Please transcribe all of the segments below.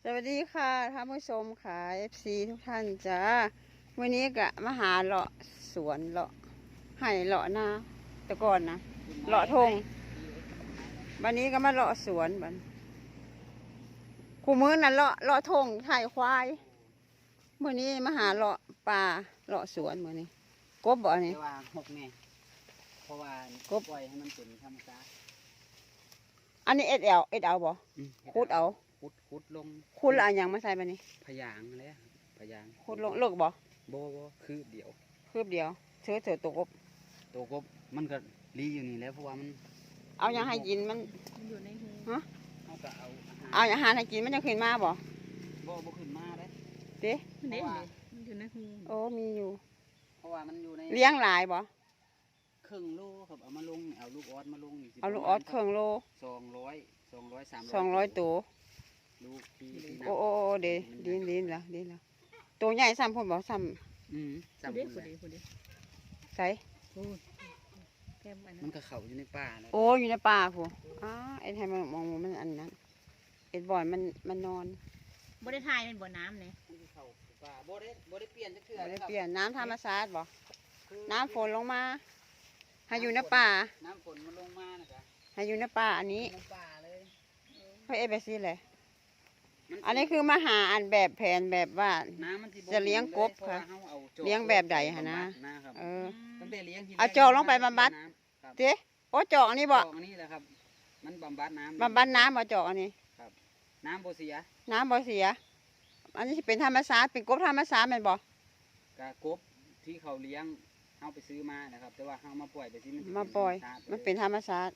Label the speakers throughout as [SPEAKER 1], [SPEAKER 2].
[SPEAKER 1] สวัสดีค่ะท่านผู้ชมค่ะ FC ทุกท่านจ้าวันนี้กะมาหาเลาะสวนเลาะให้เลาะนาแต่ก่อนนะเลาะทงวันนี้ก็มาเลาะสวนบันคู่มือนั่นเลาะทงไถ่ควายวันนี้มาหาเลาะป่าเลาะสวนวันนี้กบบ่อันนี้
[SPEAKER 2] แต่ว่าหกเนี่ยเพราะว่ากบปล่อยให้มันเป็นธรรมชาติ
[SPEAKER 1] อันนี้เอ็ดเอาบ่ขุดเอา
[SPEAKER 2] ขุดลง
[SPEAKER 1] ขุดแล้วเอันยังมาใส่บันนี้
[SPEAKER 2] พยางเลยพยาง
[SPEAKER 1] ขุดลงเลิกบ่
[SPEAKER 2] โบคือเดี๋ยว
[SPEAKER 1] คืบเดียวเถือตัวกบ
[SPEAKER 2] ตัวกบมันก็รีอยู่นี่แล้วเพราะว่ามัน
[SPEAKER 1] เอายังให้กินมัน
[SPEAKER 3] อยู่ในหู
[SPEAKER 1] ฮะ
[SPEAKER 2] เขาก็เอา
[SPEAKER 1] เอาอาหารให้กินมันจะขึ้นมาบ่
[SPEAKER 2] บ่ขึ้นมาเลย
[SPEAKER 1] เด้
[SPEAKER 3] มันเด็มันอยู่ในหู
[SPEAKER 1] โอ้มีอยู่
[SPEAKER 2] เพราะว่ามันอยู่ใน
[SPEAKER 1] เลี้ยงหลายบ่
[SPEAKER 2] ครึ่งโลครับเอามาลงเอาลูกออสมาลงนี่สิ
[SPEAKER 1] เอาลูกออสเครื่องโล
[SPEAKER 2] 200 300
[SPEAKER 1] 200ตัว
[SPEAKER 2] ลูกที่
[SPEAKER 1] โอ้เดดีละตัวใหญ่ซ้ำพุ่นบ่ซ้
[SPEAKER 2] จำ
[SPEAKER 3] เด็ก
[SPEAKER 2] คน
[SPEAKER 3] ผู้
[SPEAKER 2] เลย
[SPEAKER 3] ดี
[SPEAKER 1] ำใส่
[SPEAKER 3] พูดแก้มอัน
[SPEAKER 2] มั
[SPEAKER 3] นั้น น
[SPEAKER 2] ก็เข้าอยู่ในป่าแล้ว
[SPEAKER 1] โอ้อยู่ในป่าพุ่นเอ็ดให้มันมองมันอันนั้นเอ็ดบ่อยมันนอน
[SPEAKER 3] บ่ได้ทายเป็นบ่อน้ำเลย
[SPEAKER 2] มันก็เข้าป่าบ่ได้เปลี่ยนจักเทื่อ
[SPEAKER 1] บ่ได้
[SPEAKER 2] ครับ
[SPEAKER 1] เปลี่ยนน้ำธรรมชาติบ่
[SPEAKER 2] คือ
[SPEAKER 1] น้ำฝนลงมา ให้อยู่ในป่า
[SPEAKER 2] น้ำฝนมันลงมานะจ๊ะ
[SPEAKER 1] ให้อยู่ในป่าอันนี้
[SPEAKER 2] น้ำป่าเลย
[SPEAKER 1] เฮ้ยเอ็ดไปสิเลย
[SPEAKER 2] มั
[SPEAKER 1] อันนี้คือมาหาอันแบบแผนแบบว่า
[SPEAKER 2] น้ำมันสิบ่
[SPEAKER 1] จะเลี้ยงกบ
[SPEAKER 2] เพราว่า
[SPEAKER 1] ค่ะ
[SPEAKER 2] เราอาจอก
[SPEAKER 1] เลี้ยงแบบใดหะนะ
[SPEAKER 2] นะครับ
[SPEAKER 1] เออ
[SPEAKER 2] ตั้งแต่เลี้ยงทีแร
[SPEAKER 1] เอาจอกลงไปบำบัด
[SPEAKER 2] น้ำครับ
[SPEAKER 1] เจ๊โอ้จอกอันนี้บ่
[SPEAKER 2] จอกอันนี้แหละครับ มันบำบัดน้ำ
[SPEAKER 1] บำบัดน้ำบ่จอกอันนี้
[SPEAKER 2] น้ำบ่เสีย
[SPEAKER 1] น้ำบ่เสีย อันนี้สิเป็นธรรมชาติเป็นกบธรรมชาติแม่นบ่
[SPEAKER 2] กะกบที่เขาเลี้ยงเอาไปซื้อมานะครับ แต่ว่าเอามาปล่อยไปที่มันสิ
[SPEAKER 1] มาปล่อย
[SPEAKER 2] ธรรชาติ
[SPEAKER 1] มันเป็นธรรมชาติ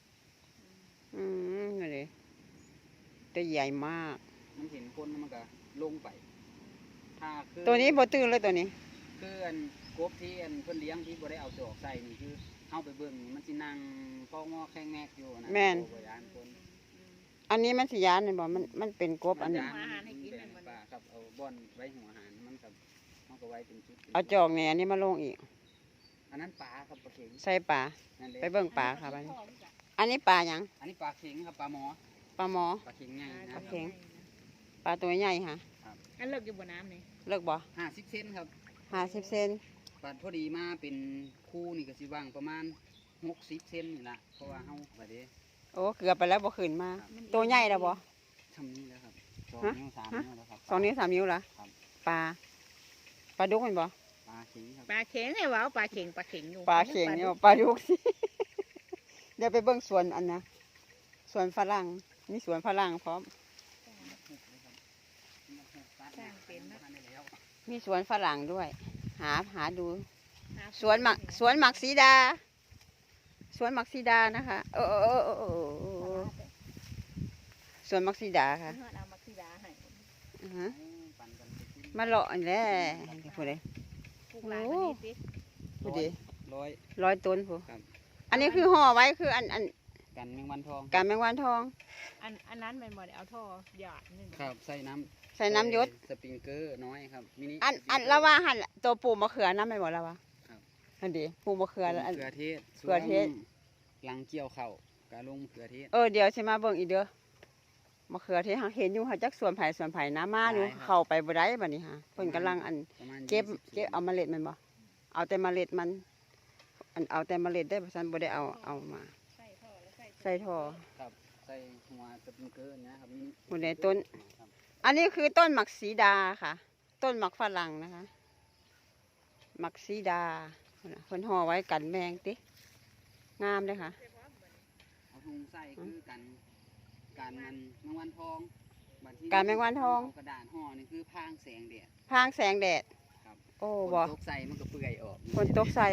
[SPEAKER 1] นี่เลยตัวใหญ่มาก
[SPEAKER 2] มันเห็นคนแล้วมันก็ลงไปถ้าคือ
[SPEAKER 1] ตัวนี้บ่ตื่นเลยตัวนี้
[SPEAKER 2] คืออันกบที่อันเพิ่นเลี้ยงที่บ่ได้เอาจอกใส่นี่คือเอาไปเบิ่งนี่มันสินั่งเฝ้างอแข้งแงกอยู่นะ
[SPEAKER 1] แม่น
[SPEAKER 2] บ่ยานคน
[SPEAKER 1] อันนี้มันสิยานแม่นบ่มันเป็นกบอันนี้
[SPEAKER 2] มัย่านป่าครับเอาบ่อนไว้หัวอาหารมันครับมันก็ไว้เป็นจุด
[SPEAKER 1] เอาจอกเนี่ยอันนี้มาลงอีก
[SPEAKER 2] อันนั้นปลาครับปลาเข็ง
[SPEAKER 1] ใส่ปลา
[SPEAKER 2] นั่นเลย
[SPEAKER 1] ไปเบิ่งปลาครับอันนี้ อันนี้ปลาหยัง
[SPEAKER 2] อันนี้ปลาเข็งครับปลาหมอ
[SPEAKER 1] ปลาหมอ
[SPEAKER 2] ปลาเข็งใหญ่นะ
[SPEAKER 1] ปลาเข็ง ปลาตัวใหญ่ฮะ
[SPEAKER 3] อันเลิกอยู่บ่อน้ำเลย
[SPEAKER 1] เลิกบ่
[SPEAKER 2] 50 เซนครับ
[SPEAKER 1] 50 เซน
[SPEAKER 2] ปลาพอดีมาเป็นคู่นี่ก็สิว่างประมาณ60 เซนนี่ล่ะเพราะว่าเฮาบัดนี้
[SPEAKER 1] โอ้เกือบไปแล้วบ่ขึ้นมา ตัวใหญ่แล้วบ่
[SPEAKER 2] ทำนี้แล้วครับ2
[SPEAKER 1] ฮะ
[SPEAKER 2] นิ้ว3นิ้วแล้วครับ
[SPEAKER 1] 2 นิ้ว 3 นิ้วละ
[SPEAKER 2] ครับ
[SPEAKER 1] ปลาดุกแม่นบ่
[SPEAKER 2] ปลาเข็งครับ
[SPEAKER 3] ปลาเข็งเนี่ยว้าวปลาเข็งอยู่
[SPEAKER 1] ปลาเข็งเนี่ยปลาดุกสิ เดี๋ยวไปเบิ่งสวนอันนะสวนฝรั่งมีสวนฝรั่งพร้อม มีสวนฝรั่งด้วย หาดู สวนหมักสีดา สวนหมักสีดานะคะสวนหมักสีดาค่ะ
[SPEAKER 3] เอามาที่ร้านให้
[SPEAKER 1] อือฮะมาเลาะอันแหละผู้ใด
[SPEAKER 3] ปลูกหลายวันนี้สิ
[SPEAKER 1] ผู้ใด
[SPEAKER 2] ร้อย
[SPEAKER 1] 100 ต้นผู้
[SPEAKER 2] ครับ
[SPEAKER 1] อันนี้คือห่อไว้คืออัน
[SPEAKER 2] กันแมงวันทอง
[SPEAKER 1] การแมงวันทอง
[SPEAKER 3] อันนั้นมันบ่ได้เอาท่อหยาดนึง
[SPEAKER 2] ครับใส่น้
[SPEAKER 1] ใส่น้ำยศ
[SPEAKER 2] สปริงเกอร์น้อยครับมินิ
[SPEAKER 1] อันละว่าหันตัวปลูกมะเขือน้ำไม่บอกแล้ววะ
[SPEAKER 2] ครับ
[SPEAKER 1] อันดีปลูกมะเขือแล้วอัน
[SPEAKER 2] เขือเทศ
[SPEAKER 1] เขือเทศ
[SPEAKER 2] หลังเกี่ยวเข่าวกะลงเขือเทศ
[SPEAKER 1] เดี๋ยวสิมาเบิ่งอีกเด้อมะเขือที่หาเห็นอยู่หาจักสวนไผ่น้ำมาอยู่
[SPEAKER 2] หลายครับ
[SPEAKER 1] เข้าไปบ่ได้บัดนี้ฮะเพิ่นกำลังอัน
[SPEAKER 2] ประมาณ
[SPEAKER 1] เก็บ
[SPEAKER 2] 20
[SPEAKER 1] เก็บเอาเมล็ดมันบ่เอาแต่เมล็ดมันเอาแต่เมล็ดได้บ่ซั่นบ่ได้เอามา
[SPEAKER 3] ใส่ท่อแล้ว
[SPEAKER 1] ใส่ท่อ
[SPEAKER 2] ครับใส่หัวสปริงเกอร์นะครับมินิ
[SPEAKER 1] บนในต้น
[SPEAKER 2] ครับ
[SPEAKER 1] อันนี้คือต้นหมักสีดาค่ะ ต้นหมักฝรั่งนะคะหมักสีดาเพิ่นห่อไว้กันแมงติงามเลยค่ะ
[SPEAKER 2] เอาถุงใส่คือกันมันแมงวันทองบัดที่
[SPEAKER 1] กันแมงวันทอง
[SPEAKER 2] เากระดาษห่อนี่คือพรางแสงแดด
[SPEAKER 1] พรางแสงแดด
[SPEAKER 2] ครับ
[SPEAKER 1] โอ้
[SPEAKER 2] ฝ
[SPEAKER 1] บ่
[SPEAKER 2] นตกใส่มันก็เปื่อยออก
[SPEAKER 1] ฝนตกใส่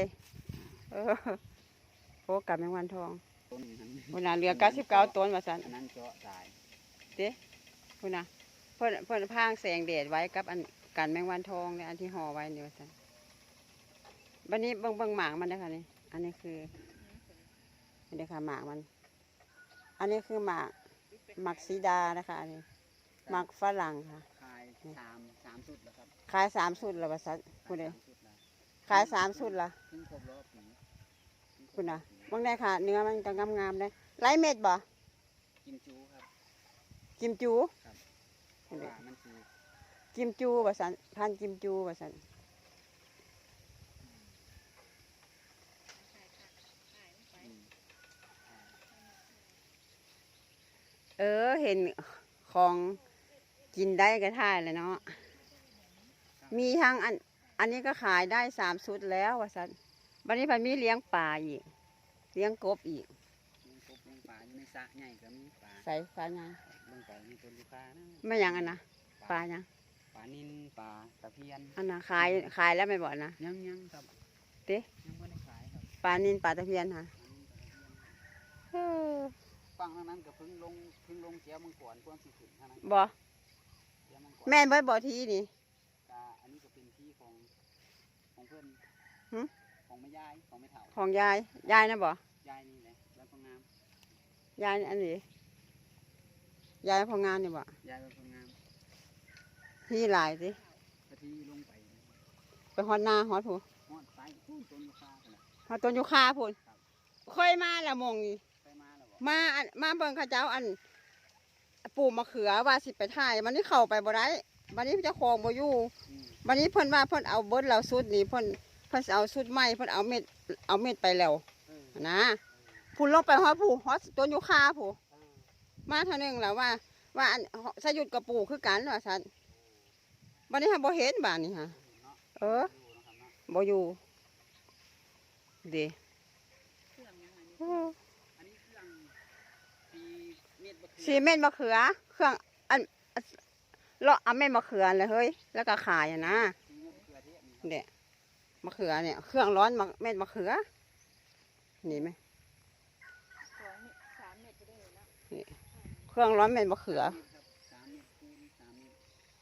[SPEAKER 1] โอ้กับแมงวันทอง
[SPEAKER 2] ต้นนั้น
[SPEAKER 1] พุ่นน่ะเหลือ99ต้นว่าซั่น
[SPEAKER 2] อันนั้นเจาะตาย
[SPEAKER 1] พุ่นน่ะเพิ่นพรางแสงแดดไว้กับอันกันแมงวันทองเนี่ยอันที่ห่อไว้นี่ว่าซั่นบัดนี้เบิ่งหมากมันนะคะนี่อันนี้คือนี่เด้อค่ะหมากมัน อันนี้คือหมากสีดานะคะอันนี้หมากฝรั่งค่ะ
[SPEAKER 2] คายสามสุดแล้วครับ
[SPEAKER 1] ขาย3สุดแล้วว่าซั่นพุ่นเด้
[SPEAKER 2] สามสุดแล้ว
[SPEAKER 1] ขาย3สุดละ
[SPEAKER 2] เพิ่งครบรอบปี
[SPEAKER 1] พุ่นน่ะเบิ่งได้ค่ะ เนื้อมันก็งามๆเลยไร้เม็ดบ่
[SPEAKER 2] กิมจูครับ
[SPEAKER 1] กิมจู
[SPEAKER 2] ครับ
[SPEAKER 1] พุ่นเด้กิมจูว่าสันพันธุ์กิมจูว่าสันเห็นของกินได้ก็ท่ายเลยเนาะมีทั้งอันนี้ก็ขายได้3 ชุดแล้วว่าสันวันนี้พันมีเลี้ยงปลาอีกเลี้ยงกบอีก
[SPEAKER 2] เลี้ยงกบเลี้ยงปลาอยู่ในสระใหญ่ก็มีปลา
[SPEAKER 1] ใส่ปลายัง
[SPEAKER 2] ลงไปมีต้นยูคานะ
[SPEAKER 1] ไม่ยังอันนะปลายัง
[SPEAKER 2] ปลานิลปลาตะเพียน
[SPEAKER 1] อันนะขายแล้วไม่บอกนะ
[SPEAKER 2] ยังครับ
[SPEAKER 1] เต้
[SPEAKER 2] ยังไม่ได้ขายครับ
[SPEAKER 1] ปลานินปลาตะเพียนฮะ
[SPEAKER 2] ปลานิลปลาตะเพียน
[SPEAKER 1] เออ
[SPEAKER 2] ฟังทางนั้นก็เพิ่งลงเจียวมังกรพวกสิขึ้นทางนั้น
[SPEAKER 1] บ่
[SPEAKER 2] เจียวมังกร
[SPEAKER 1] แม่นเบิดบ่ทีนี่
[SPEAKER 2] อันนี้ก็เป็นที่ของเพื่อน
[SPEAKER 1] หึ
[SPEAKER 2] ของแม่ยายของแม่เฒ่า
[SPEAKER 1] ของยายนะบ่
[SPEAKER 2] ยายนี่แหละแล้วก็งาม
[SPEAKER 1] ยายอันนี้ยายพองานนี่บ่
[SPEAKER 2] ยายเป็นคนงาม
[SPEAKER 1] ที่หลายสิ
[SPEAKER 2] กะทิลงไป
[SPEAKER 1] ไปฮอดนาฮอดผู้
[SPEAKER 2] ฮอดไปต้นยูคาไปละ
[SPEAKER 1] ฮอดต้นยูคาพุ่นค่อยมาละมงนี่
[SPEAKER 2] ไปมาแล้วบอก
[SPEAKER 1] มาเบิ่งเขาเจ้าปลูกมะเขือว่าสิไปถ่ายมันนี่เข้าไปบ่ได้วันนี้เจ้าของบ่อยู่
[SPEAKER 2] อืม
[SPEAKER 1] วันนี้เพิ่นว่าเพิ่นเอาเบิดแล้วสุดนี่เพิ่นสิเอาสุดใหม่เพิ่นเอาเม็ดไปแล้ว
[SPEAKER 2] เออ
[SPEAKER 1] นะพุ่นลงไปฮอดผู้ฮอดต้นยูคาผู้
[SPEAKER 2] เออ
[SPEAKER 1] มาเท่านึงแล้วว่าอันสยุดกับปู่คือกันว่าซั่นวันนี้ฮะบ่เห็นบ้านนี่ฮะ
[SPEAKER 2] เนาะ
[SPEAKER 1] เออ
[SPEAKER 2] ดูนะครับเนาะ
[SPEAKER 1] บ่อยู่เด้
[SPEAKER 3] เครื่องยังไงนี่
[SPEAKER 1] โอ้
[SPEAKER 2] อันนี้เครื่องตีเม็ดบะเขือ
[SPEAKER 1] ซีเมนต์มะเขือ เครื่องเลาะเอาเม็ดมะเขือเลยเฮ้ยแล้วก็ขายอะนะ
[SPEAKER 2] ตีเม็ดบะเขือเทศนี่ครับ
[SPEAKER 1] เนี่ยมะเขือเนี่ยเครื่องร้อนเม็ดมะเขือนี่ไหม
[SPEAKER 3] 3 เม็ดไปได้เลยนะ
[SPEAKER 1] เครื่องร้อนเม็ดมะเขือ
[SPEAKER 2] 3 เม็ดครับ3 เม็ดคูณ3 เม็ด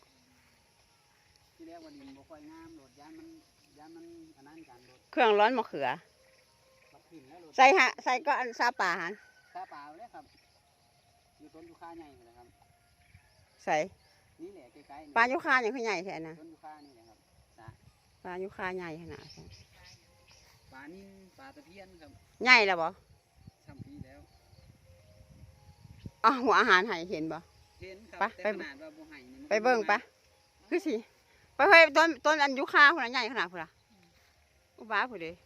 [SPEAKER 2] ที่แรกว่าดินบ่ค่อยงามโหลดยานมันอันนั้นกันโหลด
[SPEAKER 1] เครื่องร้อนมะเขือ
[SPEAKER 2] บักขึ้นแล้วโหลด
[SPEAKER 1] ใส่ก็อันซาป่าหัน
[SPEAKER 2] ตาเปล่าเลยครับอยู่ต้นยูคาใหญ่เลยครับ
[SPEAKER 1] ใส่
[SPEAKER 2] นี่แหละใกล้ๆนี่
[SPEAKER 1] ปลายุคาอย่างคือใหญ่แท้นะ
[SPEAKER 2] ต้นยูคานี่แหละครับสระ
[SPEAKER 1] ปลายุคาใหญ่ขนาดนั้น
[SPEAKER 2] ปลานิ่มปลาตะเพียนครับ
[SPEAKER 1] ใหญ่แล้วบ่
[SPEAKER 2] ช่ำปีแล้ว
[SPEAKER 1] อ๋อหัวอาหารให้เห็นบ่
[SPEAKER 2] เห็นครับ
[SPEAKER 1] ไป
[SPEAKER 2] แต่ขนาดว่าบ่ให้นี่มัน
[SPEAKER 1] ไปเบิ่งปะคือสิไปเฮ้ยต้นอันยุคาพุ่นน่ะใหญ่ขนาดพุ่นล่ะอุบ้าพุ่นเด้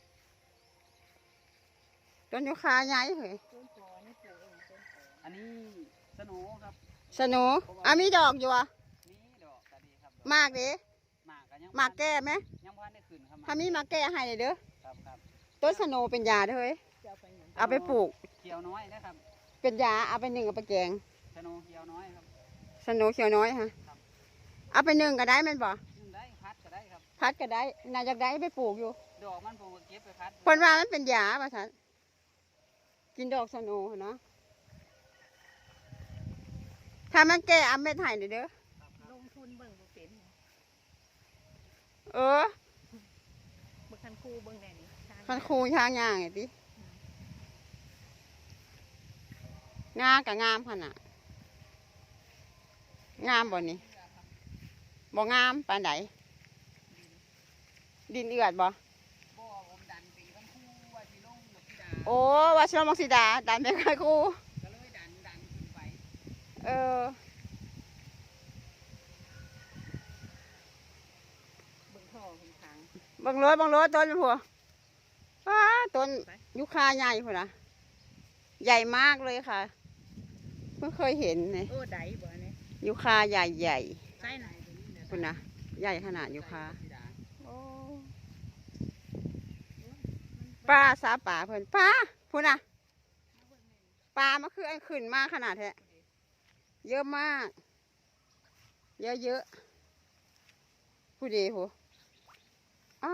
[SPEAKER 1] ต้นยุคาใหญ่เฮ้ย
[SPEAKER 3] ต้นปอนี่ปลูกเองต้นปอ
[SPEAKER 2] อันนี้สโหนครับ
[SPEAKER 1] สนุมีดอกอยู่อ่ะ
[SPEAKER 2] นี่ดอกตาดีครับดอก
[SPEAKER 1] มากเด้
[SPEAKER 2] หมากกันยัง
[SPEAKER 1] มากแก้ไหม
[SPEAKER 2] ยังพันได้ขึ้นครับ
[SPEAKER 1] ถ้ามีมากแก้ให้เด้อ
[SPEAKER 2] ครับครับ
[SPEAKER 1] ต้นสนุเป็นยาเด้อเฮ้ย
[SPEAKER 3] จะเอาไปหยัง
[SPEAKER 1] เอาไปปลูก
[SPEAKER 2] เขียวน้อยนะครับ
[SPEAKER 1] เป็นยาเอาไปนึ่งเอาไปแกง
[SPEAKER 2] สโหนเขียวน้อยครับ
[SPEAKER 1] สนุเขียวน้อยฮะเอาไปนึ่งก็ได้แม่นบ่
[SPEAKER 2] นึ่งได้พัดก็ได้ครับ
[SPEAKER 1] พัดก็ได้น่าจะได้ไปปลูกอยู่
[SPEAKER 2] ดอกมันผมก็เก็บไปพัด
[SPEAKER 1] เพิ่นว่ามันเป็นยาว่าซั่นกินดอกสนุเนาะถ้ามันแก้เอาเม็ดให้เด้อ
[SPEAKER 3] ลงทุนเบิ่งบ่เป็น
[SPEAKER 1] เออ
[SPEAKER 3] เบิ่งคันคูเบิ่งแน่นี่ทาง
[SPEAKER 1] คันคูช้างย่างไงติงากับงามขนาดงามบ่นี่บ่งามปานใดดินเอือดบ่
[SPEAKER 2] บ่ผมดันปีกันคู่ว่าสิลงดอกพิดา
[SPEAKER 1] โอ้ว่าชลมังสีดาดันไปค่อยคู
[SPEAKER 2] ก็เลยดันขึ้นไป
[SPEAKER 1] เออ
[SPEAKER 3] เบิ่งท่อเบิ่งทาง
[SPEAKER 1] บังรถต้นผัวป้าต้นยุคาใหญ่พุ่นนะใหญ่มากเลยค่ะเพิ่งเคยเห็นเลย
[SPEAKER 3] โอ้ไดบ่เนี่ย
[SPEAKER 1] ยุคาใหญ่ใหญ่
[SPEAKER 3] ใช่ไหน
[SPEAKER 1] พุ่นนะใหญ่ขนาดยุคา
[SPEAKER 2] พิดา
[SPEAKER 1] โอ้ป้าซาป่าเพิ่นป้าพุ่นนะปลามันคือไอ้ขึ้นมากขนาดแท้เยอะมาก เยอะผู้ดีผู้อ้า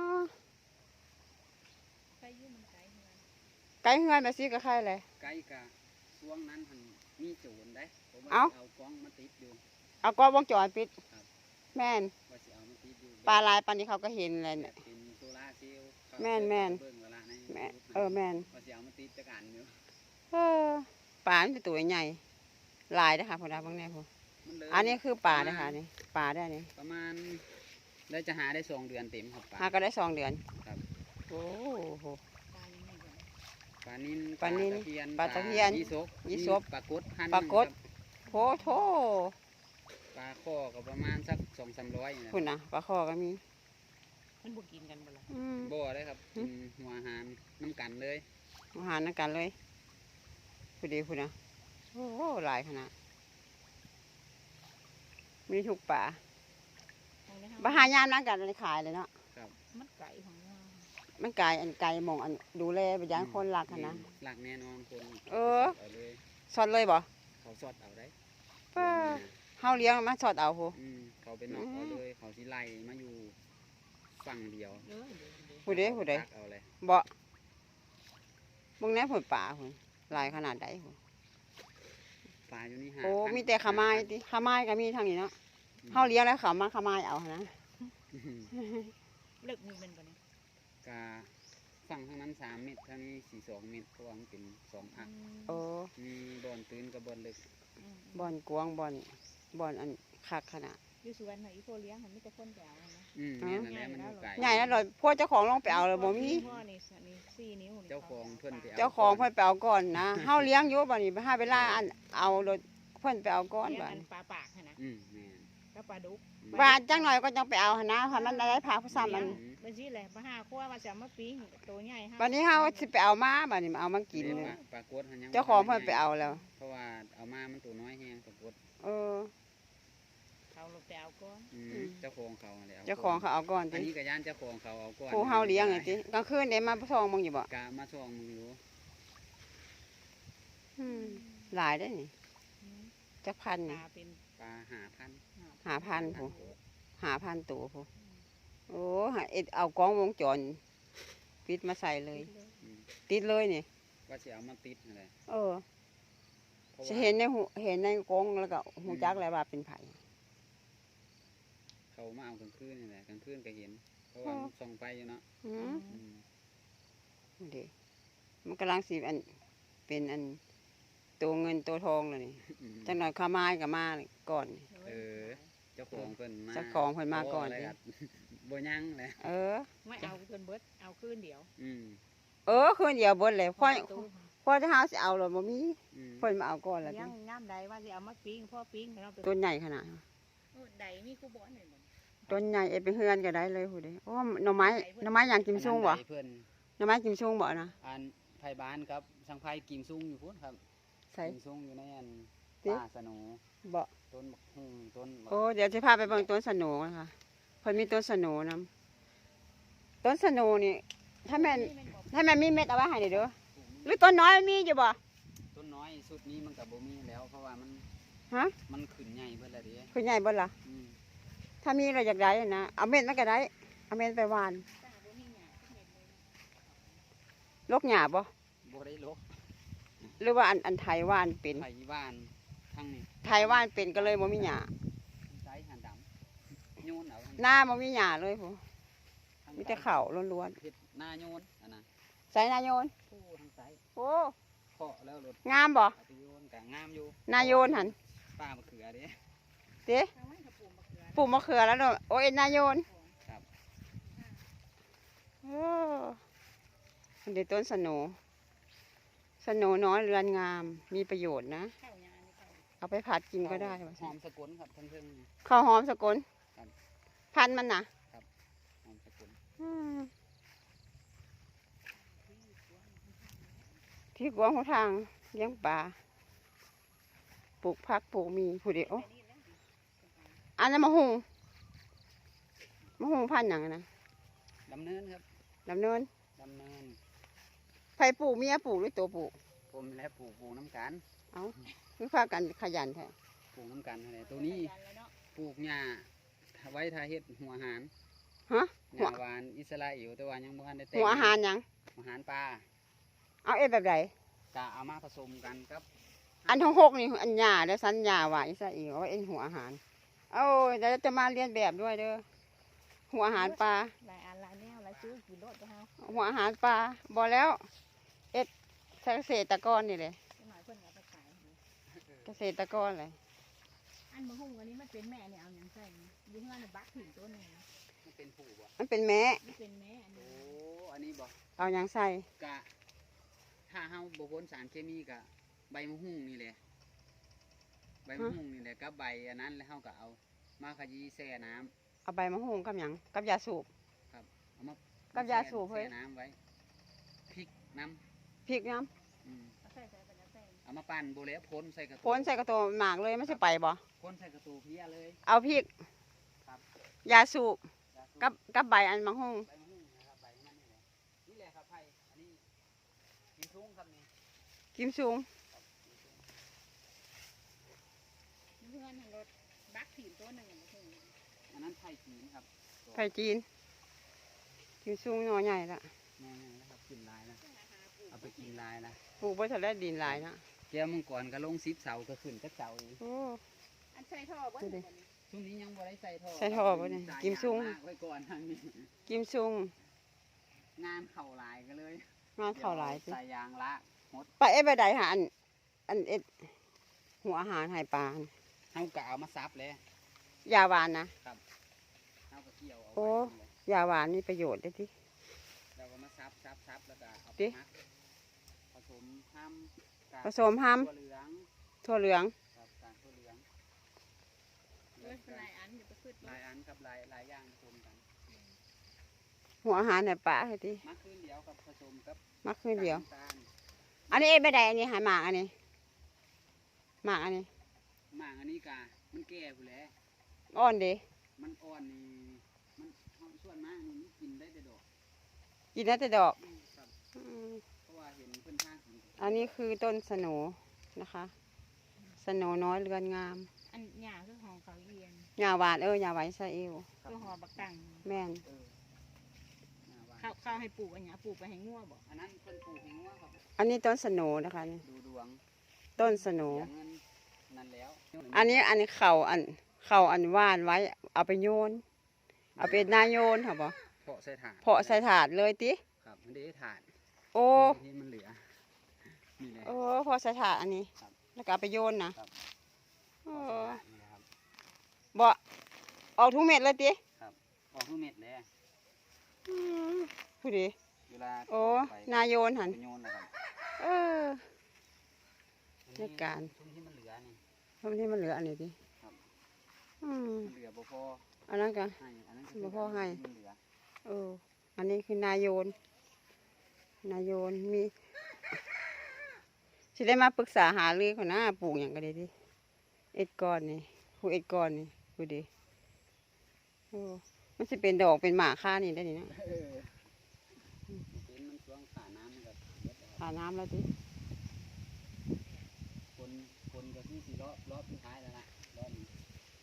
[SPEAKER 3] ใครอยู่มันไกลเฮือน
[SPEAKER 1] ไก่เฮือนมาซื้อกับใครเลย
[SPEAKER 2] ไกลกะช่วงนั้นหันมีโจรได้ผมว่า
[SPEAKER 1] เอ้า
[SPEAKER 2] เอากล้องมาติดอยู่
[SPEAKER 1] เอากล้องวงจรปิด
[SPEAKER 2] ครับ
[SPEAKER 1] แม่น
[SPEAKER 2] ว่าสิเอามาติดอยู่
[SPEAKER 1] ปลาลายปลานี้เขาก็เห็นเลย
[SPEAKER 2] แบ
[SPEAKER 1] เนี่ย
[SPEAKER 2] บเป็นโซล่าร์เซลล์เขา
[SPEAKER 1] แม่น
[SPEAKER 2] เบิ่งเวลาใน
[SPEAKER 1] แม่
[SPEAKER 2] YouTube
[SPEAKER 1] เออแม่น
[SPEAKER 2] ว่าสิเอามาติดจักอันอยู่
[SPEAKER 1] เออปลามันเป็นตัวใหญ่ลายนะคะพอดาบางแน่พอ
[SPEAKER 2] มันเลย
[SPEAKER 1] อันนี้คือปลาเนะคะนี่ปลาได้นี่
[SPEAKER 2] ประมาณแล้วจะหาได้2 เดือนเต็มครับปลา
[SPEAKER 1] หาก็ได้2 เดือน
[SPEAKER 2] ครับ
[SPEAKER 1] โอ้โห
[SPEAKER 3] ตายยังไงบ่
[SPEAKER 2] ปลานิล
[SPEAKER 1] ปลานิล
[SPEAKER 2] ปลาตะเพียน
[SPEAKER 1] ยี่สก
[SPEAKER 2] ปลากดพัน
[SPEAKER 1] ปลากด โหโถ
[SPEAKER 2] ปลาคคอก็ประมาณสัก200-300นี่แหละ
[SPEAKER 1] คุณนะปลาคอก็มี
[SPEAKER 3] มันบ่กินกันบ่ล่ะ
[SPEAKER 2] บ่ได้ครับกินหัวอาหารน้ำกันเลย
[SPEAKER 1] อาหารนักกันเลยพูดดีพูดนะโอ้โหหลายขนาดมีทุกป่า
[SPEAKER 3] ของในห้
[SPEAKER 1] บาหายามนักกันเลยขายเลยเนาะ
[SPEAKER 3] มันไก่ของเรา
[SPEAKER 1] มันไกลอันไกลหมองอันดูแลไปย่างคนรักหั้นนะ
[SPEAKER 2] หลักแน่นอนคน
[SPEAKER 1] เออ
[SPEAKER 2] เอาเลย
[SPEAKER 1] สอดเลยบ่
[SPEAKER 2] เขาสอดเอาได้
[SPEAKER 1] ป้าเฮาเลี้ยงมาสอดเอาโห
[SPEAKER 2] เขาไปนอกเอาเลยเขาสิไล่มาอยู่ฝั่งเดียว
[SPEAKER 3] เด้อ
[SPEAKER 1] ผู้ใดผู้ใด
[SPEAKER 2] ตักเอาเลย
[SPEAKER 1] บ่มึงแน่ผลป่าพุ่นหลายขนาดใดพุ่น
[SPEAKER 2] ปลาอยู่นี่หา
[SPEAKER 1] โอ้
[SPEAKER 2] พัน
[SPEAKER 1] มีแต่ขาไม้ติขาไม้ก็มีทางนี้เนาะเฮาเลี้ยงแล้วเขามาขาไม้เอาหั้นนะ
[SPEAKER 3] เลิกมีมันบ่เนี่ย
[SPEAKER 2] กาฝั่งทางนั้น3 เมตรทางนี้4-2 เมตรเพราะว่ามันเป็น2 อัก
[SPEAKER 1] โอ้
[SPEAKER 2] มีบ่อนตื้นกับบ่อนลึก
[SPEAKER 1] บ่อนกวางบ่อนอันคักขนาด
[SPEAKER 3] อยู่สวนน่ะอีโพเลี้ยงมันมีแต่คนไปเอานะ
[SPEAKER 2] นี่นั่นแหละมันอยู่ไกล
[SPEAKER 1] ใหญ่แล้วเลยพวกเจ้าของลงไปเอาเลยบ่มี
[SPEAKER 3] พ่อนี่4 นิ้วนี่
[SPEAKER 2] เจ้าของเพิ่นไปเอา
[SPEAKER 1] เจ้าของเพิ่นไปเอาก่อนนะ เฮาเลี้ยงอยู่บัดนี้ไปหาเวลาอันเอารถเพิ่นไปเอาก่อน
[SPEAKER 3] เลี้ยง
[SPEAKER 1] บัด
[SPEAKER 3] อันปลาปากหั่นนะ
[SPEAKER 2] แม่น
[SPEAKER 3] กับปลาดุก
[SPEAKER 1] ว่าจังหน่อยก็จังไปเอาหั่นนะถ้ามันได้พาผู้ซ้ำมัน
[SPEAKER 3] มันสิแหละมาหาคั่วว่าจะมาปิ้งตัวใหญ่ฮะ
[SPEAKER 1] บัดนี้เฮาสิไปเอามาบัดนี้มาเอามากิน
[SPEAKER 2] เรียก
[SPEAKER 1] เลย
[SPEAKER 2] ว่าปลากดหันยัง
[SPEAKER 1] เจ้าของเพิ่นไปเอาแล้ว
[SPEAKER 2] เพราะว่าเอามามันตัวน้อยแฮงปลากด
[SPEAKER 1] เออ
[SPEAKER 3] เขาลงไปเอาก่อน
[SPEAKER 2] เจ้าของเขาแล้ว
[SPEAKER 1] เจ้าของเขาเอาก่อน
[SPEAKER 2] อัน
[SPEAKER 1] ติ
[SPEAKER 2] นี้ก็ย่านเจ้าของเขาเอาก่อน
[SPEAKER 1] ผู้เฮาเลี้ยงไงติกลางคืนได้มาส่องมึงอยู่บ่
[SPEAKER 2] กะมาช่วงมึงอยู่
[SPEAKER 1] หลายได้อนี่จักพัน
[SPEAKER 3] ป
[SPEAKER 1] นี่
[SPEAKER 3] ลาเป็น
[SPEAKER 2] ปลา5,000
[SPEAKER 1] 5,000ผู้5,000ตัวผู้โอ้หาเอ็ดเอากล้องวงจรปิดมาใส่เลย
[SPEAKER 2] อืม
[SPEAKER 1] ติดเลยนี่
[SPEAKER 2] ว่าสิเอามาติดนั่นแหละ
[SPEAKER 1] เออ
[SPEAKER 2] เพราะ
[SPEAKER 1] จะ
[SPEAKER 2] ว่า
[SPEAKER 1] เห็นในหูเห็นในกรงแล้วก็หูจักแล้วว่าเป็นไผ
[SPEAKER 2] เขามาเอากลางคืนนี่แหละกลางคืนก็เห็น เพราะว่ามันส่องไฟอยู่เนาะ
[SPEAKER 1] อืม
[SPEAKER 2] อืม
[SPEAKER 1] เด็มันกำลังสีอันเป็นอันตัวเงินตัวทองเลยนี่
[SPEAKER 2] อืม
[SPEAKER 1] จังหน่อยข้าไม้กับมาก่อนนี่
[SPEAKER 2] เจ้าของเพิ่นมา
[SPEAKER 1] เจ้าของเพิ่นมาก่อน
[SPEAKER 2] โะไร
[SPEAKER 1] ดิ
[SPEAKER 2] ครับ บ่ยังแหละ
[SPEAKER 1] เออ
[SPEAKER 3] ไม่เอาจนเบิดเอาคืนเดียว
[SPEAKER 2] อืม
[SPEAKER 1] เออคืนเดียวเบดเลยพ่อ
[SPEAKER 3] ตู้
[SPEAKER 1] พ่อจะหาสิเอาหรอบ่มี
[SPEAKER 2] อืม
[SPEAKER 1] เพิ่นมาเอาก่อนแล้ว
[SPEAKER 3] เลี้ยงน้ำใดว่าสิเอามาปิ้งพ่อปิ้งแล้วไป
[SPEAKER 1] ต้นใหญ่ขนาด
[SPEAKER 3] ใดมีคู่บ่อนหน่อยบ่
[SPEAKER 1] ต้นใหญ่เอ็ดไปเฮือนก็ได้เลยผู้ใดโอ้หน่อไม้อย่างกิมซุงบ่
[SPEAKER 2] อันนั้นได้เพิ่น
[SPEAKER 1] หน่อไม้กิมซุงบ่นะ
[SPEAKER 2] อันไผบ้านครับสังไผกิมซุงอยู่พุ่นครับ
[SPEAKER 1] ใส่
[SPEAKER 2] กิมซุงอยู่ในอัน
[SPEAKER 1] ติ
[SPEAKER 2] ป่าสนู
[SPEAKER 1] บ่
[SPEAKER 2] ต้นบักฮุ่งต้นบัก
[SPEAKER 1] โอ้เดี๋ยวจะพาไปเบิ่งต้นสโหนนะคะเพิ่นมีต้นสโหนนํต้นสโหนนี่ถ้าแม่นมีเม็ดเอาไว้ให้เด้อหรือต้นน้อยมันมีอยู่บ่
[SPEAKER 2] ต้นน้อยสุดนี้มันก็บ่มีแล้ว เพราะว่ามัน
[SPEAKER 1] ฮะ
[SPEAKER 2] มันขึ้นใหญ่เบิดแล้วเด้
[SPEAKER 1] คือใหญ่เบ่ล่ะ
[SPEAKER 2] อืม
[SPEAKER 1] ถ้ามีเราอยากได้นะเอาเม็ดมันก็ได้เอาเม็ดไปหวานลกหญ้าบ่
[SPEAKER 2] บ่ได้ลก
[SPEAKER 1] หรือว่าอันไทยหวานเป็น
[SPEAKER 2] ไผบ้านทั้งนี้
[SPEAKER 1] ไทยหวานเป็นก็เลยบ่มีหญ้า
[SPEAKER 2] ใช้หันดำโยนเอา
[SPEAKER 1] หน้าบ่มีหญ้าเลยผู้
[SPEAKER 2] ทาง
[SPEAKER 1] มีแต่ข้าวล้วน
[SPEAKER 2] เฮ็ดหน้าโยนอันน่ะ
[SPEAKER 1] ๆใส่นาโยน
[SPEAKER 2] ผู้ทางซ้าย
[SPEAKER 1] โอ้
[SPEAKER 2] เคาะแล้วรถ
[SPEAKER 1] งามบ่
[SPEAKER 2] เอาไปโยนก็งามอยู่
[SPEAKER 1] นาโยนหั่น
[SPEAKER 2] ป้ามะเขือเด้
[SPEAKER 1] เด้ปลูกมะเขือแล้วเนาะโอ้ยนาโยน
[SPEAKER 2] ครับ
[SPEAKER 1] โอ้เดี๋ยวต้นสโหนสโหนน้อยเรือนงามมีประโยชน์นะ
[SPEAKER 3] ข้าวยานี่ข้าว
[SPEAKER 1] เอาไปผัดกินก็ได้ว่า
[SPEAKER 2] ห
[SPEAKER 1] ซั่
[SPEAKER 2] อน มสกุลครับทั้งเพิ่งนี่
[SPEAKER 1] ข้าวหอมสกล
[SPEAKER 2] ครับ
[SPEAKER 1] พันธุ์มันน่ะ
[SPEAKER 2] หอมสกุล
[SPEAKER 1] อืมที่กวางหัวทางเลี้ยงปลาปลูกผักปลูกมีผู้เดียวอันนั้นมะฮุงพันธุ์หยังอะนะ
[SPEAKER 2] ดำเนินครับ
[SPEAKER 1] ดำเนิน
[SPEAKER 2] ดำเนิน
[SPEAKER 1] ไผปลูกเมียปลูกหรือตัวปลูก
[SPEAKER 2] ผมและปลูกน้ำกัน
[SPEAKER 1] คือพากันขยันแท้
[SPEAKER 2] ปลูกน้ำกันอะไรตัวนี้ปลูกหญ้าไว้ทาเฮ็ดหัวอาหาร
[SPEAKER 1] ฮะ
[SPEAKER 2] หญ้าหวานอิสราเอลแต่ว่ายังบ่ทันได้แต่ง
[SPEAKER 1] หัวอาหารหยัง
[SPEAKER 2] อาหารปลา
[SPEAKER 1] เอาเอ็ดแบบไหน
[SPEAKER 2] ก็เอามาผสมกันครับ
[SPEAKER 1] อันทั้งหกนี่อันหญ้าแล้วสัญญาว่าอิสราเอลว่าเอ็นหัวอาหารเอาเดี๋ยวจะมาเรียนแบบด้วยเด้อหัวอาหารปลา
[SPEAKER 3] หลายอันหลายแนวหลายซื้อกี่รถก็เฮา
[SPEAKER 1] หัวอาหารปลาบอแล้ว เอ็ดเกษตรกรนี่เลย
[SPEAKER 3] หน่อยเพิ่นเอาไปขาย
[SPEAKER 1] เกษตรกรเลย
[SPEAKER 3] อันมะฮุ่งอันนี้มันเป็นแม่เนี่ยเอาหยังใส่อยู่เฮือนน่ะบักถิ่นต้นนึง
[SPEAKER 2] มันเป็นผู้บ่
[SPEAKER 1] มันเป็นแม่
[SPEAKER 3] มันเป็นแม่อัน
[SPEAKER 2] โอ้
[SPEAKER 3] นี้
[SPEAKER 2] อันนี้บ่
[SPEAKER 1] เอาหยังใส่
[SPEAKER 2] กะถ้าเฮาบ่พ่นสารเคมีกะใบมะฮุ่งนี่แหละใบมะฮุ่งนี่แหละกับใบอันนั้นแล้วเฮาก็เอามาขยี้แช่น้ำ
[SPEAKER 1] เอาใบมะฮุ่งกับหยังกับยาสูบ
[SPEAKER 2] เอามา
[SPEAKER 1] กับยาสูบเฮ้ย
[SPEAKER 2] แช่น้ำไว้พริกน้
[SPEAKER 1] พริกน้
[SPEAKER 2] ำ
[SPEAKER 3] เอาใส่ไปแล้วใส่
[SPEAKER 2] เอามาปั่นโบแล้วพ้นใส่กระ
[SPEAKER 1] ำ
[SPEAKER 2] ตุ
[SPEAKER 1] พ้นใส่กระโตหมากเลยไม่ใช่ไปบ่
[SPEAKER 2] พ้นใส่กระตูเพี้ยเลย
[SPEAKER 1] เอาพริก
[SPEAKER 2] ครับ
[SPEAKER 1] ยาสูบ
[SPEAKER 2] ยาสูบ
[SPEAKER 1] กับใบอันมะฮุ่ง
[SPEAKER 2] ใบมะฮุ่งนะครับใบมันนี่แหละครับไผ่อันนี้กินซุ้งครับนี่
[SPEAKER 1] กิมซุง
[SPEAKER 3] เพื่อนรถบักถิ่นตัวหนึ่งมาถึง
[SPEAKER 2] อันนั้นไผ่จีนครับ
[SPEAKER 1] ไผ่จีนกิมซุงหน่อใหญ่ละ
[SPEAKER 2] แม่ๆนะครับกินลายนะเอาไปกินลายนะ
[SPEAKER 1] ปลูกไว้ทะเลดินหลายนะ
[SPEAKER 2] แก้วมังกรก็ลง10 เสาก็ขึ้นก็เสาอีก
[SPEAKER 1] โอ้
[SPEAKER 3] อันใส่ท่อบ่
[SPEAKER 1] ดูดิ
[SPEAKER 2] ช่วงนี้ยังบ่ได้ใส่ท่อ
[SPEAKER 1] ใส่ท่อบ่เนี่ย
[SPEAKER 2] สาย
[SPEAKER 1] กิมซุง
[SPEAKER 2] ยางลากไว้ก่อนทางนี้
[SPEAKER 1] กิมซุง
[SPEAKER 2] งานเข่าหลายกันเลย
[SPEAKER 1] งานเข้าหลายสิ
[SPEAKER 2] ใส่ยางละหมด
[SPEAKER 1] ไปเอ็ดไปใดหาอันเอ็ดหัวอาหารใหายปลา
[SPEAKER 2] เฮาก็เอามาซับเลย
[SPEAKER 1] ยาหวานนะ
[SPEAKER 2] เฮาก็เกี่ยวเอา
[SPEAKER 1] โอ้
[SPEAKER 2] ไว้นั่นแหละ
[SPEAKER 1] ยาหวานมีประโยชน์ได้ที่
[SPEAKER 2] เราก็มาซับแล้วก็เอา
[SPEAKER 1] ดิ
[SPEAKER 2] ไปมักผสมห้ำกับ
[SPEAKER 1] ผสมห้
[SPEAKER 2] ถั่วเหลือง
[SPEAKER 1] ำถั่วเหลือง
[SPEAKER 2] กับกากถั่วเหลือง
[SPEAKER 3] เออหลายอันเดี๋ยวไปขึ้น
[SPEAKER 2] หลายอันกับหลายอย่างผสมกัน
[SPEAKER 1] หัวอาหารใหายปลาให้ที่
[SPEAKER 2] มักคืนเดียวกับผสมกับ
[SPEAKER 1] มักคืนเดียว
[SPEAKER 2] น้ำตาล
[SPEAKER 1] อันนี้เอ็ดไปใดอันนี้หายหมากอันนี้หมากอันนี้
[SPEAKER 2] หมากอันนี้กะมันแก่ผู้นแหล้ว
[SPEAKER 1] อ่อนดี
[SPEAKER 2] มันอ่อนนี่มันส่วนมากนี่มันกินได้แต่ดอก
[SPEAKER 1] กินได้แต่ดอก
[SPEAKER 2] ครับ
[SPEAKER 1] อืม
[SPEAKER 2] เพราะว่าเห็นเพื่อนทางกิน
[SPEAKER 1] อันนี้คือต้นสโหนนะคะสโหนน้อยเรือนงาม
[SPEAKER 3] อันหยาคือของเขาเอียน
[SPEAKER 1] ยาหวานยาหวานอิสราเอล
[SPEAKER 2] ครับ
[SPEAKER 3] คือหอบักตัง
[SPEAKER 1] แม่น
[SPEAKER 2] เออหน้าบ้าน
[SPEAKER 3] ข้าวให้ปลูกอันหยาปลูกไปให้งัวบ่
[SPEAKER 2] อันนั้นเพิ่นปลูกให้งัวครับ
[SPEAKER 1] อันนี้ต้นสโหนนะคะนี่
[SPEAKER 2] ดูดวง
[SPEAKER 1] ต้นสโหน
[SPEAKER 2] เสียเงินนั่นแล้ว
[SPEAKER 1] อันนี้เข่าอันว่านไว้ เอาไปโยน เอาเป็นนาโยนค่ะบ่
[SPEAKER 2] เพาะใส่ถาด
[SPEAKER 1] เพาะใส่ถาดเลยติ
[SPEAKER 2] ครับมันได้ถาด
[SPEAKER 1] โอ้
[SPEAKER 2] ที่มันเหลือนี่แหละ
[SPEAKER 1] โอ้เพาะใส่ถาดอันนี้
[SPEAKER 2] ครับ
[SPEAKER 1] แล้วก็เอาไปโยนนะครับ โอ้
[SPEAKER 2] นี่นะครับ
[SPEAKER 1] บ่ออกทุกเม็ดเลยติ
[SPEAKER 2] ออกทุกเม็ดเลย
[SPEAKER 1] อืมผู้ดี
[SPEAKER 2] เวลา
[SPEAKER 1] โอ้
[SPEAKER 2] ไป
[SPEAKER 1] นาโยนหัน
[SPEAKER 2] ไปโยนนะครับ
[SPEAKER 1] เออ ในการ
[SPEAKER 2] ช่วงที่มันเหลือนี่
[SPEAKER 1] ทำที่มันเหลืออันนี้ติ
[SPEAKER 2] ครับ
[SPEAKER 1] อืม
[SPEAKER 2] มันเหลือบ่พอ
[SPEAKER 1] อันนั้นก็
[SPEAKER 2] ให้อันนั้น
[SPEAKER 1] บ่พอให้
[SPEAKER 2] มันเหลือ
[SPEAKER 1] เอออันนี้คือนาโยน นาโยนมีสิได้มาปรึกษาหารือคนนะปลูกอย่างก็ได้ดิเอ็ดก้อนนี่ผู้เอ็ดก้อนนี่ผู้ดีโอ้มันสิเป็นดอกเป็นหมากค่านี่ได้นี่นะ
[SPEAKER 2] เออเป็นมันช่วงขาน้ำมันก็เบิดแล้ว
[SPEAKER 1] หาน้ำแล้วดิ
[SPEAKER 2] คนก็ที่สี่รอบสุดท้ายแล้วนะรอบนี้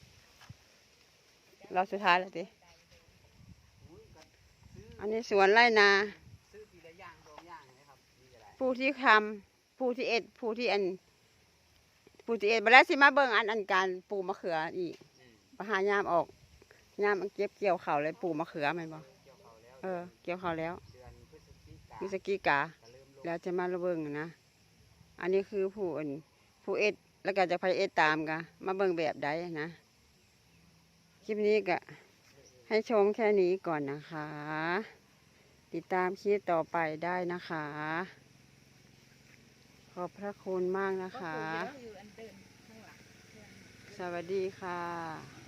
[SPEAKER 1] เราสุดท้ายแล้วดิ
[SPEAKER 2] อุ้ยก็ซื้อ
[SPEAKER 1] อันนี้สวนไร่นา
[SPEAKER 2] ซื้อทีละอย่างสองอย่างนะครับนี่ก็ได้
[SPEAKER 1] ผู้ที่ทำผู้ที่เอ็ดผู้ที่บัดแล้วสิมาเบิ่งอันการปลูกมะเขืออีก
[SPEAKER 2] อืม
[SPEAKER 1] ไปหายามออกยามเก็บเกี่ยวเขาวเลยปลูกมะเขือแม่นบ่
[SPEAKER 2] เกี่ยวเขาแล้ว
[SPEAKER 1] เออเกี่ยวเขาวแล้ว
[SPEAKER 2] เดือนพฤศจิกา
[SPEAKER 1] มิสกีกา
[SPEAKER 2] ก็เริ่มลง
[SPEAKER 1] แล้วจะมาระเบิงนะ อันนี้คือผู้เอ็ด แล้วก็จะไปเอ็ดตามกะมาเบิ่งแบบใดนะ คลิปนี้ก็ให้ชมแค่นี้ก่อนนะคะ ติดตามคลิปต่อไปได้นะคะ ขอบพระคุณมากนะ
[SPEAKER 3] ก็ปลู
[SPEAKER 1] คะ
[SPEAKER 3] กเยอะอยู่อันเดินข้างหลัง
[SPEAKER 1] สวัสดีค่ะ